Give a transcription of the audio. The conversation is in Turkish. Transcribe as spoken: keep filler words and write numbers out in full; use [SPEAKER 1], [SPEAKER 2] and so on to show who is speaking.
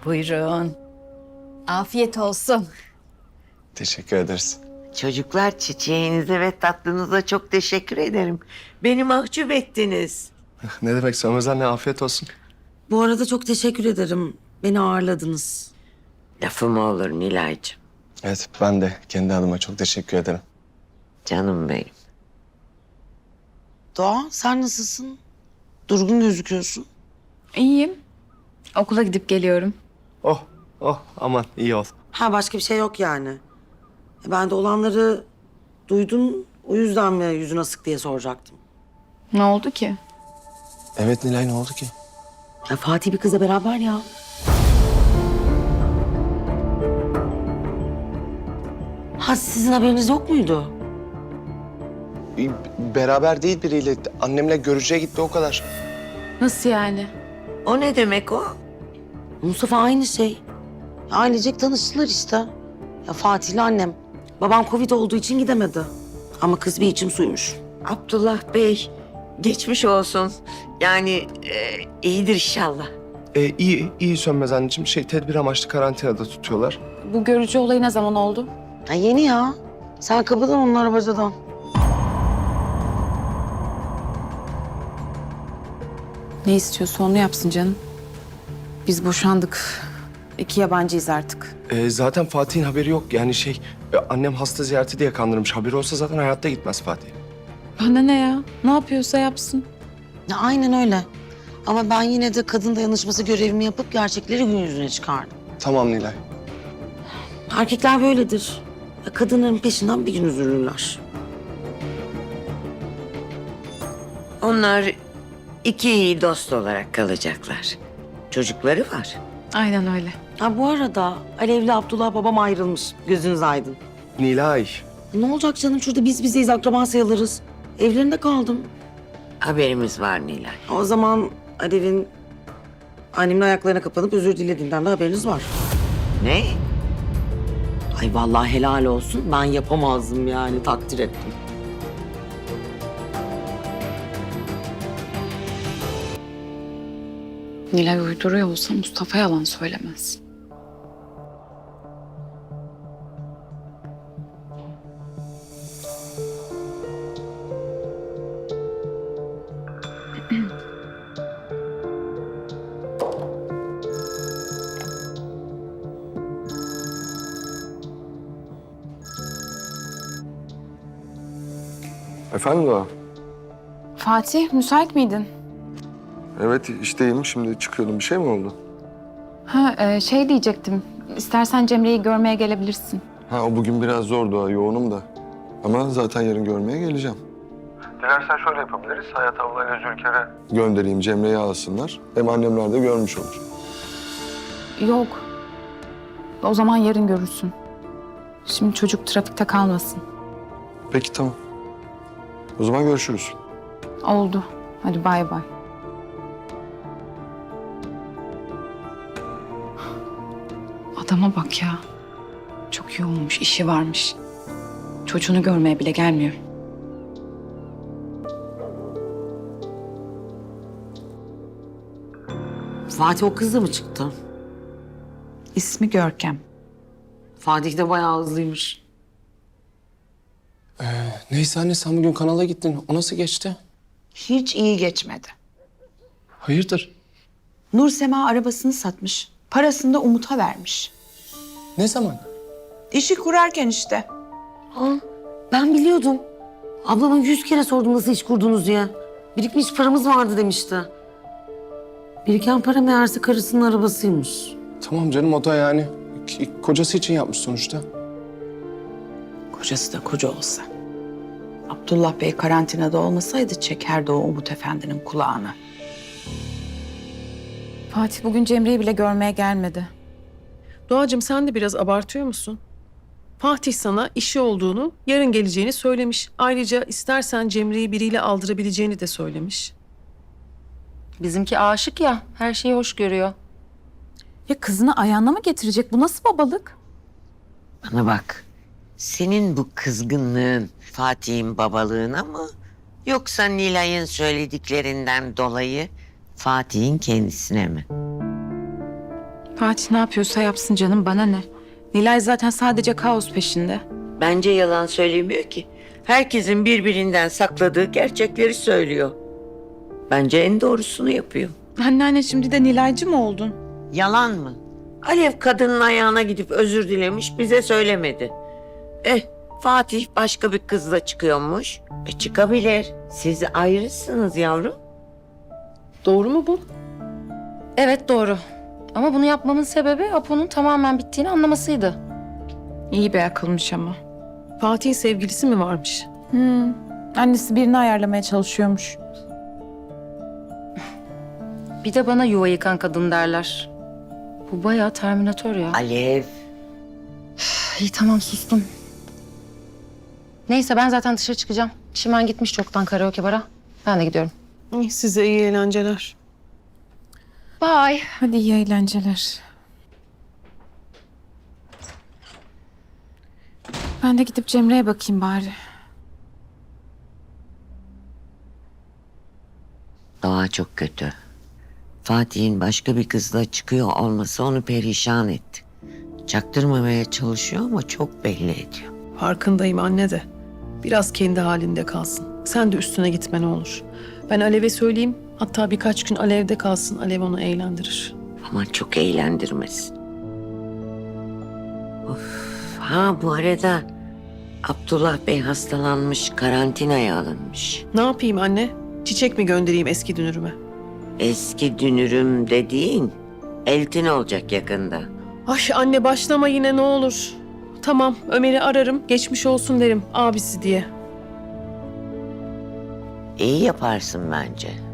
[SPEAKER 1] Buyurun. Afiyet olsun.
[SPEAKER 2] Teşekkür ederiz.
[SPEAKER 3] Çocuklar çiçeğinize ve tatlınıza çok teşekkür ederim. Beni mahcup ettiniz.
[SPEAKER 2] Ne demek Sönmez anne, afiyet olsun.
[SPEAKER 4] Bu arada çok teşekkür ederim. Beni ağırladınız.
[SPEAKER 3] Lafı mı olur Nilay'cığım?
[SPEAKER 2] Evet, ben de kendi adıma çok teşekkür ederim.
[SPEAKER 3] Canım benim.
[SPEAKER 4] Doğa sen nasılsın? Durgun gözüküyorsun.
[SPEAKER 1] İyiyim. Okula gidip geliyorum.
[SPEAKER 2] Oh, oh aman iyi ol.
[SPEAKER 4] Ha başka bir şey yok yani. E, Ben de olanları duydum. O yüzden mi yüzün asık diye soracaktım.
[SPEAKER 1] Ne oldu ki?
[SPEAKER 2] Evet Nilay, ne oldu ki?
[SPEAKER 4] Ya Fatih bir kızla beraber ya. Ha sizin haberiniz yok muydu?
[SPEAKER 2] Bir- Beraber değil biriyle. Annemle görücüye gitti, o kadar.
[SPEAKER 1] Nasıl yani?
[SPEAKER 3] O ne demek o?
[SPEAKER 4] Mustafa aynı şey. Ailecek tanıştılar işte. Ya Fatih'le annem. Babam Covid olduğu için gidemedi. Ama kız bir içim suymuş.
[SPEAKER 3] Abdullah Bey, geçmiş olsun. Yani e, iyidir inşallah.
[SPEAKER 2] Ee, iyi, iyi Sönmez anneciğim. Şey, tedbir amaçlı karantinada tutuyorlar.
[SPEAKER 1] Bu görücü olayı ne zaman oldu?
[SPEAKER 4] Ha yeni ya. Sen kapıdan onlar bacadan.
[SPEAKER 5] Ne istiyorsa onu yapsın canım. Biz boşandık. İki yabancıyız artık.
[SPEAKER 2] Ee, zaten Fatih'in haberi yok. Yani şey, e, annem hasta ziyareti diye kandırmış. Haberi olsa zaten hayatta gitmez Fatih.
[SPEAKER 5] Bana ne ya? Ne yapıyorsa yapsın.
[SPEAKER 4] Ya aynen öyle. Ama ben yine de kadın dayanışması görevimi yapıp gerçekleri gün yüzüne çıkardım.
[SPEAKER 2] Tamam Nilay.
[SPEAKER 4] Erkekler böyledir. Ya kadınların peşinden bir gün üzülürler.
[SPEAKER 3] Onlar iki iyi dost olarak kalacaklar. Çocukları var.
[SPEAKER 1] Aynen öyle.
[SPEAKER 4] Ha bu arada Alev'le Abdullah babam ayrılmış. Gözünüz aydın.
[SPEAKER 2] Nilay.
[SPEAKER 4] Ne olacak canım şurada biz bizeyiz akraba sayılırız. Evlerinde kaldım.
[SPEAKER 3] Haberimiz var Nilay.
[SPEAKER 4] O zaman Alev'in annemin ayaklarına kapanıp özür dilediğinden de haberiniz var.
[SPEAKER 3] Ne?
[SPEAKER 4] Ay vallahi helal olsun. Ben yapamazdım yani takdir ettim.
[SPEAKER 5] Nilay uyduruyor olsa Mustafa yalan söylemez.
[SPEAKER 6] Efendim Doğa?
[SPEAKER 5] Fatih, müsait miydin?
[SPEAKER 6] Evet işteyim. Şimdi çıkıyordum. Bir şey mi oldu?
[SPEAKER 5] Ha, e, şey diyecektim. İstersen Cemre'yi görmeye gelebilirsin.
[SPEAKER 6] Ha o bugün biraz zor Doğa. Yoğunum da. Ama zaten yarın görmeye geleceğim. Dilersen şöyle yapabiliriz. Hayat ablayla Zülker'e göndereyim. Cemre'yi alsınlar. Hem annemler de görmüş olur.
[SPEAKER 5] Yok. O zaman yarın görürsün. Şimdi çocuk trafikte kalmasın.
[SPEAKER 6] Peki tamam. O zaman görüşürüz.
[SPEAKER 5] Oldu. Hadi bay bay. Adama bak ya. Çok yoğunmuş, işi varmış. Çocuğunu görmeye bile gelmiyor.
[SPEAKER 4] Fatih o kızla mı çıktı?
[SPEAKER 5] İsmi Görkem.
[SPEAKER 4] Fatih de bayağı hızlıymış.
[SPEAKER 2] Neyse anne, sen bugün kanala gittin. O nasıl geçti?
[SPEAKER 7] Hiç iyi geçmedi.
[SPEAKER 2] Hayırdır?
[SPEAKER 7] Nur Sema arabasını satmış. Parasını da Umut'a vermiş.
[SPEAKER 2] Ne zaman?
[SPEAKER 7] İşi kurarken işte.
[SPEAKER 4] Ha, ben biliyordum. Ablama yüz kere sordum nasıl iş kurdunuz diye. Birikmiş paramız vardı demişti. Biriken para meğerse karısının arabasıymış.
[SPEAKER 2] Tamam canım, o da yani k- kocası için yapmış sonuçta.
[SPEAKER 7] Kocası da koca olsa. Abdullah Bey karantinada olmasaydı çekerdi o Umut Efendi'nin kulağını.
[SPEAKER 5] Fatih bugün Cemre'yi bile görmeye gelmedi.
[SPEAKER 8] Doğacığım sen de biraz abartıyor musun? Fatih sana işi olduğunu, yarın geleceğini söylemiş. Ayrıca istersen Cemre'yi biriyle aldırabileceğini de söylemiş.
[SPEAKER 9] Bizimki aşık ya, her şeyi hoş görüyor.
[SPEAKER 5] Ya kızını ayağına mı getirecek? Bu nasıl babalık?
[SPEAKER 3] Bana bak. Senin bu kızgınlığın Fatih'in babalığına mı? Yoksa Nilay'ın söylediklerinden dolayı Fatih'in kendisine mi?
[SPEAKER 1] Fatih ne yapıyorsa yapsın canım, bana ne? Nilay zaten sadece kaos peşinde.
[SPEAKER 3] Bence yalan söylemiyor ki. Herkesin birbirinden sakladığı gerçekleri söylüyor. Bence en doğrusunu yapıyor.
[SPEAKER 1] Anneanne şimdi de Nilaycı mı oldun?
[SPEAKER 3] Yalan mı? Alev kadının ayağına gidip özür dilemiş, bize söylemedi. Eh, Fatih başka bir kızla çıkıyormuş. E çıkabilir. Siz ayrısınız yavrum.
[SPEAKER 8] Doğru mu bu?
[SPEAKER 9] Evet doğru. Ama bunu yapmamın sebebi Apo'nun tamamen bittiğini anlamasıydı.
[SPEAKER 1] İyi bir akılmış ama.
[SPEAKER 8] Fatih'in sevgilisi mi varmış?
[SPEAKER 1] Hmm. Annesi birini ayarlamaya çalışıyormuş.
[SPEAKER 9] Bir de bana yuva yıkan kadın derler. Bu bayağı Terminator ya.
[SPEAKER 3] Alev.
[SPEAKER 9] İyi tamam sustum. Neyse ben zaten dışarı çıkacağım. Çimen gitmiş çoktan karaoke bara. Ben de gidiyorum.
[SPEAKER 8] İyi, size iyi eğlenceler.
[SPEAKER 9] Bye.
[SPEAKER 1] Hadi iyi eğlenceler. Ben de gidip Cemre'ye bakayım bari.
[SPEAKER 3] Doğa çok kötü. Fatih'in başka bir kızla çıkıyor olması onu perişan etti. Çaktırmamaya çalışıyor ama çok belli ediyor.
[SPEAKER 8] Farkındayım anne de. Biraz kendi halinde kalsın. Sen de üstüne gitme ne olur. Ben Alev'e söyleyeyim. Hatta birkaç gün Alev'de kalsın. Alev onu eğlendirir.
[SPEAKER 3] Ama çok eğlendirmesin. Of. Ha bu arada Abdullah Bey hastalanmış, karantinaya alınmış.
[SPEAKER 8] Ne yapayım anne? Çiçek mi göndereyim eski dünürüme?
[SPEAKER 3] Eski dünürüm dediğin eltin olacak yakında.
[SPEAKER 8] Ay anne başlama yine ne olur. Tamam Ömer'i ararım. Geçmiş olsun derim abisi diye.
[SPEAKER 3] İyi yaparsın bence.